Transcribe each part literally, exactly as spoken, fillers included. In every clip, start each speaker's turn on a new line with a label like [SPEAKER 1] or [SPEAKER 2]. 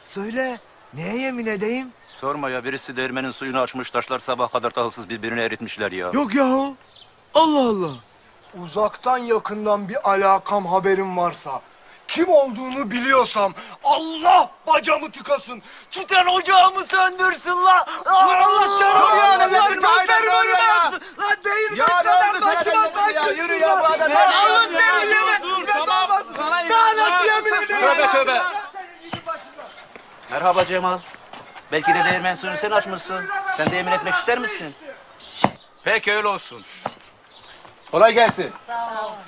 [SPEAKER 1] Söyle, neye yemin edeyim?
[SPEAKER 2] Sorma ya, birisi değirmenin suyunu açmış, taşlar sabah kadar tahılsız birbirini eritmişler ya.
[SPEAKER 1] Yok yahu. Allah Allah. Uzaktan yakından bir alakam haberim varsa, kim olduğunu biliyorsam, Allah bacamı tıkasın, tüten ocağımı söndürsün la. Allah canımı ya, Allah gözlerimi önüme yaksın. Lan değirmen kadar başıma taş kızsın la. Lan alın terbiyeme hizmet olmasın. Daha nasıl yemin ederim?
[SPEAKER 2] Tövbe tövbe. Merhaba Cemal. Belki de değirmen suyunu sen açmışsın. Sen de yemin etmek ister misin? Peki öyle olsun. Kolay gelsin.
[SPEAKER 3] Sağ ol.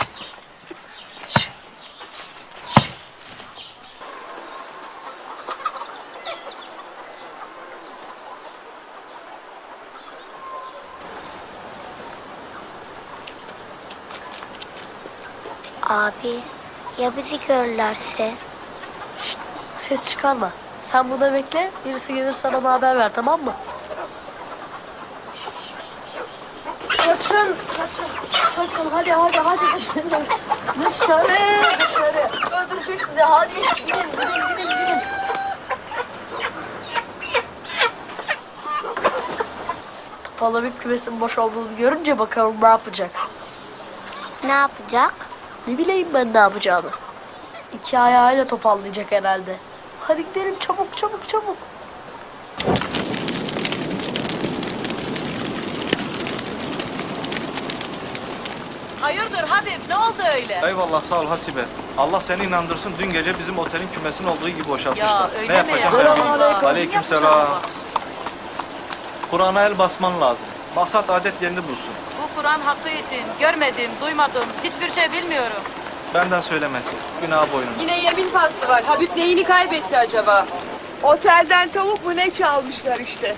[SPEAKER 4] Abi, ya bizi görürlerse?
[SPEAKER 3] Ses çıkarma. Sen burada bekle. Birisi gelirse bana haber ver, tamam mı? Kaçın, kaçın, kaçın. Hadi, hadi, hadi dışarı. Dışarı, dışarı. Öldürecek sizi. Hadi gidin, gidin, gidin, gidin. Topal bir kümesin boş olduğunu görünce bakalım ne yapacak.
[SPEAKER 4] Ne yapacak?
[SPEAKER 3] Ne bileyim ben ne yapacağını. İki ayağıyla topallayacak herhalde. Hadi gidelim çabuk çabuk çabuk.
[SPEAKER 5] Hayırdır Habib, ne oldu öyle?
[SPEAKER 6] Eyvallah, sağ ol Hasibe. Allah seni inandırsın, dün gece bizim otelin kümesinin olduğu gibi boşaltmışlar.
[SPEAKER 5] Ya öyle
[SPEAKER 6] ne
[SPEAKER 5] mi
[SPEAKER 6] yapacağım
[SPEAKER 5] ya?
[SPEAKER 6] ben
[SPEAKER 5] Allah
[SPEAKER 6] bilmiyorum.
[SPEAKER 5] Allah.
[SPEAKER 6] Aleykümselam. Kur'an'a el basman lazım. Maksat adet yerini bulsun.
[SPEAKER 5] Bu Kur'an hakkı için görmedim, duymadım, hiçbir şey bilmiyorum.
[SPEAKER 6] Benden söylemesi. Günah boynuna.
[SPEAKER 7] Yine yemin pastı var. Habib neyini kaybetti acaba?
[SPEAKER 8] Otelden tavuk mu ne çalmışlar işte.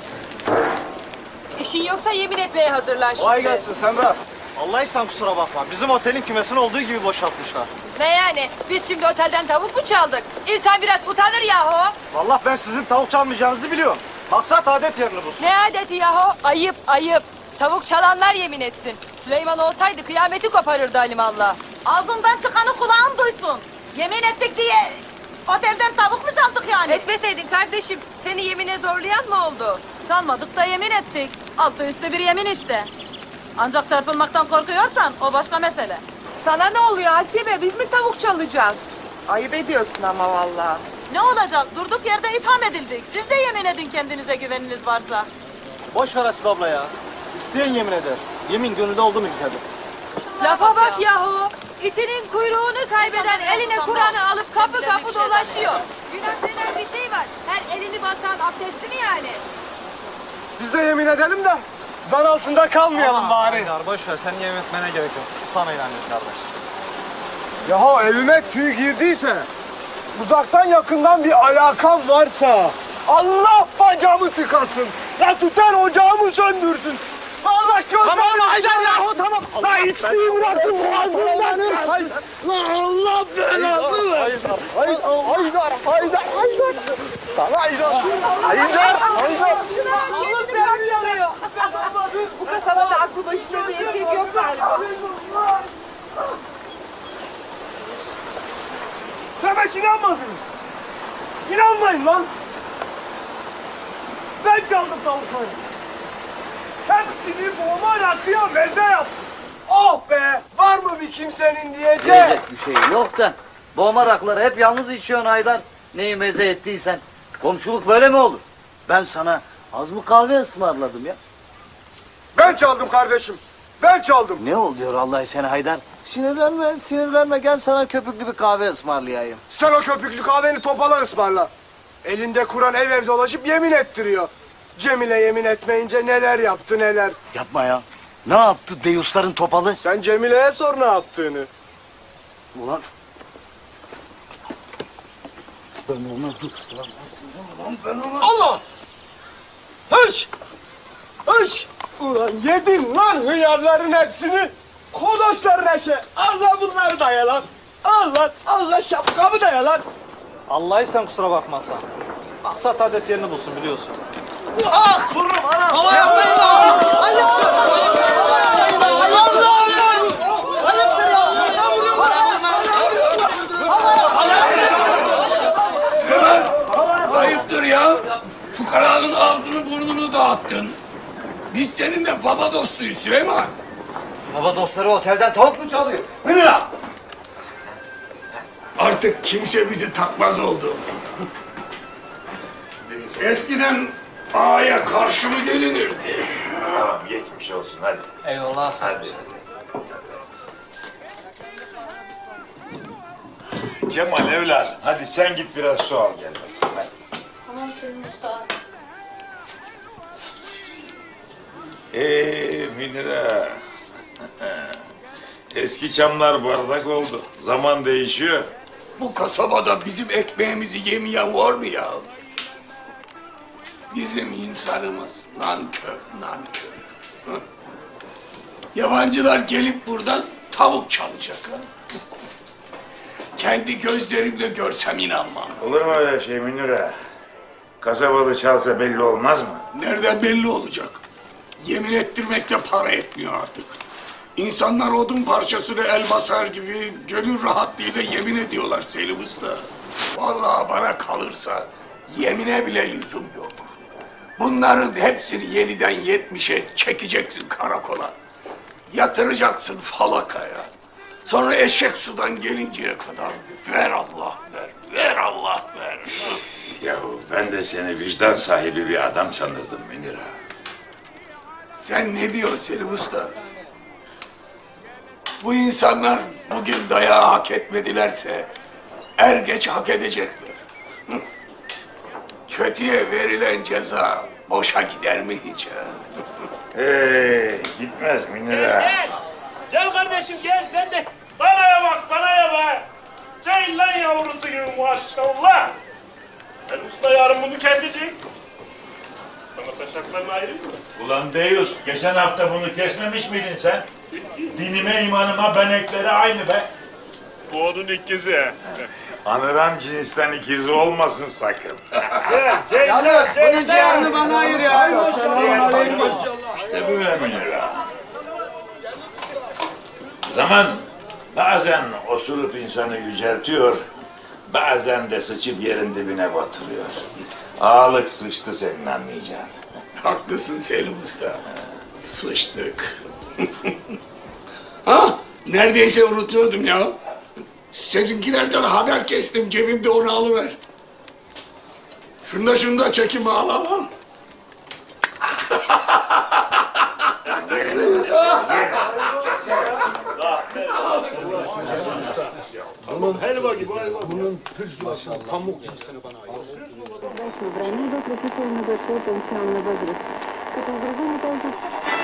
[SPEAKER 7] İşin yoksa yemin etmeye hazırlan şimdi.
[SPEAKER 6] Kolay gelsin Semra. Allah ihsan kusura bakma. Bizim otelin kümesinin olduğu gibi boşaltmışlar.
[SPEAKER 7] Ne yani? Biz şimdi otelden tavuk mu çaldık? İnsan biraz utanır yahu.
[SPEAKER 6] Vallahi ben sizin tavuk çalmayacağınızı biliyorum. Maksat adet yerini bulsun.
[SPEAKER 7] Ne adeti yahu? Ayıp, ayıp. Tavuk çalanlar yemin etsin. Süleyman olsaydı kıyameti koparırdı alimallah.
[SPEAKER 5] Ağzından çıkanı kulağın duysun. Yemin ettik diye otelden tavuk mu çaldık yani?
[SPEAKER 7] Etmeseydin kardeşim. Seni yemine zorlayan mı oldu?
[SPEAKER 5] Çalmadık da yemin ettik. Altı üstü bir yemin işte. Ancak çarpılmaktan korkuyorsan o başka mesele.
[SPEAKER 8] Sana ne oluyor Hasibe? Biz mi tavuk çalacağız? Ayıp ediyorsun ama vallahi.
[SPEAKER 5] Ne olacak? Durduk yerde itham edildik. Siz de yemin edin kendinize güveniniz varsa.
[SPEAKER 6] Boş ver Hasibe abla ya. İsteyen yemin eder. Yemin gönülde oldu mu güzeldir.
[SPEAKER 7] Lafa bak yahu. İtinin kuyruğunu kaybeden eline Kur'an'ı alıp kapı kapı dolaşıyor. Günah denen bir şey var. Her elini basan abdestli mi yani?
[SPEAKER 1] Biz de yemin edelim de zan altında kalmayalım bari.
[SPEAKER 6] Haydar boş ver. Senin yemin etmene gerek yok. Biz sana inanıyoruz kardeş.
[SPEAKER 1] Yahu evime tüy girdiyse, uzaktan yakından bir alakam varsa, Allah bacamı tıkasın, ya tutar ocağımı söndürsün. Allah gözlerimi... Tamam Haydar yahu tamam. La içtiği bırakın boğazımdan. La Allah belanı versin. Haydar, Haydar, Haydar, Haydar. Sana Haydar. Haydar, Haydar.
[SPEAKER 8] Oğlum sen çalıyor. Bu kasabada aklı başında bir erkek yok galiba.
[SPEAKER 1] Demek inanmadınız. İnanmayın lan. Ben çaldım tavukları. Hepsini boğma rakıya meze yaptım. Oh be! Var mı bir kimsenin diyeceği?
[SPEAKER 9] Diyecek bir şey yok da. Boğma rakları hep yalnız içiyorsun Haydar. Neyi meze ettiysen. Komşuluk böyle mi olur? Ben sana az mı kahve ısmarladım ya?
[SPEAKER 1] Ben çaldım kardeşim. Ben çaldım.
[SPEAKER 9] Ne oluyor Allah seni Haydar? Sinirlenme, sinirlenme. Gel sana köpüklü bir kahve ısmarlayayım.
[SPEAKER 1] Sen o köpüklü kahveni Topal'a ısmarla. Elinde Kur'an ev ev dolaşıp yemin ettiriyor. Cemile yemin etmeyince neler yaptı neler.
[SPEAKER 9] Yapma ya. Ne yaptı deyusların Topalı?
[SPEAKER 1] Sen Cemile'ye sor ne yaptığını.
[SPEAKER 9] Ulan. Ben ona dur. Ulan aslında ben ona...
[SPEAKER 1] Allah! Hış! Hış! Ulan yedin lan hıyarların hepsini. Kodoşlar neşe. Allah bunları da ye lan. Al lan. Allah şapkamı da ye lan.
[SPEAKER 6] Allah ihsan kusura bakmazsan. Maksat adet yerini bulsun biliyorsun.
[SPEAKER 1] Ah! Vururum anam. Hava yapmayın lan. Ayıptır. Ayıptır. Ayıptır ya. Ben vuruyorum. Hava yap. Hava yap.
[SPEAKER 10] burnunu dağıttın. Biz seninle baba dostuyuz Süleyman.
[SPEAKER 9] Baba dostları otelden tavuk mu çalıyor? Münir ağa!
[SPEAKER 10] Artık kimse bizi takmaz oldu. Eskiden ağaya karşı mı gelinirdi?
[SPEAKER 11] Tamam geçmiş olsun hadi.
[SPEAKER 2] Eyvallah sağ
[SPEAKER 11] Hadi. Cemal evladım hadi sen git biraz su al gel. Hadi.
[SPEAKER 3] Tamam senin usta.
[SPEAKER 11] Eee Münir'e. Eski çamlar bardak oldu. Zaman değişiyor.
[SPEAKER 10] Bu kasabada bizim ekmeğimizi yemeyen var mı ya? Bizim insanımız nankör, nankör. Hı? Yabancılar gelip buradan tavuk çalacak. Ha? Kendi gözlerimle görsem inanmam.
[SPEAKER 11] Olur mu öyle şey Münir'e? Kasabalı çalsa belli olmaz mı?
[SPEAKER 10] Nereden belli olacak? Yemin ettirmekte para etmiyor artık. İnsanlar odun parçasını el basar gibi gönül rahatlığıyla yemin ediyorlar Selim Usta. Vallahi bana kalırsa yemine bile lüzum yok. Bunların hepsini yeniden yetmişe çekeceksin karakola. Yatıracaksın falakaya. Sonra eşek sudan gelinceye kadar ver Allah ver, ver Allah ver.
[SPEAKER 11] Yahu ben de seni vicdan sahibi bir adam sanırdım Münir'e.
[SPEAKER 10] Sen ne diyorsun Selim Usta? Bu insanlar bugün dayağı hak etmedilerse er geç hak edecekler. Hı. Kötüye verilen ceza boşa gider mi hiç ha?
[SPEAKER 11] Hey, gitmez Münir'e.
[SPEAKER 12] Gel. Gel kardeşim gel sen de. Danaya bak danaya bak. Ceylan yavrusu gibi maşallah. Sen usta yarın bunu kesecek. Sana taşaklarını ayırayım mı?
[SPEAKER 11] Ulan Deyus, geçen hafta bunu kesmemiş miydin sen? Dinime imanıma benekleri aynı be.
[SPEAKER 12] Bu onun ikizi.
[SPEAKER 11] Anıran cinsten ikizi olmasın sakın.
[SPEAKER 12] Gel Ceylan Ceylan.
[SPEAKER 1] Bunun ciğerini bana ayır ya.
[SPEAKER 11] İşte böyle Münir'e. Zaman bazen osurup insanı yüceltiyor, bazen de sıçıp yerin dibine batırıyor. Ağalık sıçtı senin anlayacağın.
[SPEAKER 10] Haklısın Selim Usta. Sıçtık. Ha, neredeyse unutuyordum ya. Sizinkilerden haber kestim, cebimde onu alıver. Şunda şunda çekimi al al al.
[SPEAKER 1] Bunun,
[SPEAKER 12] Helva gibi helva.
[SPEAKER 1] bunun pürsülasını, pamuk cinsini bana ayır.
[SPEAKER 13] Границ до тридцать минут до пенсионного возраста.